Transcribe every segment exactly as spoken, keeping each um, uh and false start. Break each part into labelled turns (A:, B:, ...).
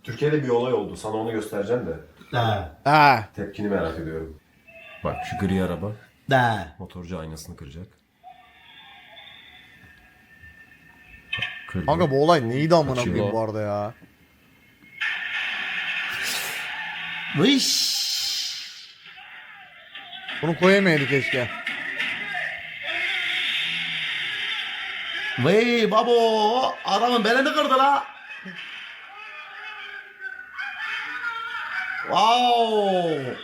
A: Türkiye'de bir olay oldu. Sana onu göstereceğim de.
B: De.
C: Ha.
A: Tepkini merak ediyorum. Bak şu gri araba.
B: De.
A: Motorcu aynasını kıracak. Kırdı.
C: Kanka bu olay neydi amına
A: Kaçıyor.
C: koyayım bu arada ya?
B: Vış.
C: Bunu koyamayaydı keşke.
B: Vay babo. Adamın belini kırdı la. Wow.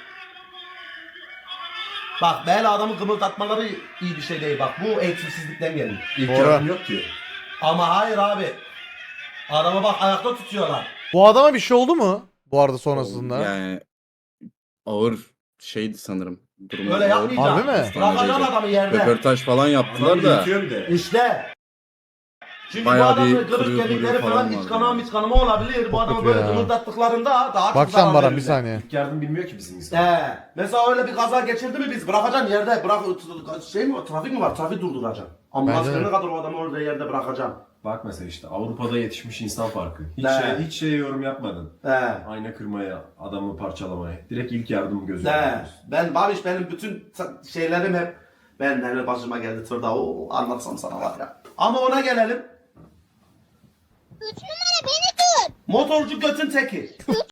B: Bak bel adamı kımıldatmaları iyi bir şey değil bak. Bu eğitimsizlikten geliyor.
A: İlk
C: Doğru.
A: yardım yok ki.
B: Ama hayır abi. Adamı bak ayakta tutuyorlar.
C: Bu adama bir şey oldu mu? Bu arada sonrasında.
D: Yani ağır şeydi sanırım. Durumu
B: Öyle
D: ağır.
B: yapmayacağım.
C: Harbi mi?
B: Bırakacaksın adamı yerde.
D: Röportaj falan yaptılar
A: Adam
D: da.
A: yatıyor bir de.
B: İşte. Çünkü
D: Bayağı
B: bu adamın
D: bir
B: kırık
D: kırıyor,
B: kemikleri
D: kırıyor
B: falan
D: falan
B: iç
D: vardı
B: kanama
D: yani.
B: iç kanama olabilir. Bu adamı
C: kötü
B: böyle
C: ya.
B: kımıldattıklarında daha çok
C: Bak
B: zarar
C: sen Baran bir
B: verirler.
C: saniye.
A: İlk yardım bilmiyor ki bizim insan.
B: He. Mesela öyle bir kaza geçirdi mi biz bırakacaksın yerde bırak şey mi var trafik mi var trafik durduracaksın. Ambulans
C: Bence de.
B: gelene kadar o adamı orada yerde bırakacaksın.
A: Bak mesela işte Avrupa'da yetişmiş insan farkı. Hiç
B: Ne?
A: şey, hiç şey yorum yapmadın.
B: He.
A: Ayna kırmaya, adamı parçalamaya. Direkt ilk yardım gözüyle.
B: He.
A: yapıyorsun.
B: Ben Babiş benim bütün ta- şeylerim hep ben neler başıma geldi tırda o anlatsam sana var ya. Ama ona gelelim.
E: Üç numara beni tut.
B: Motorcu götün teki.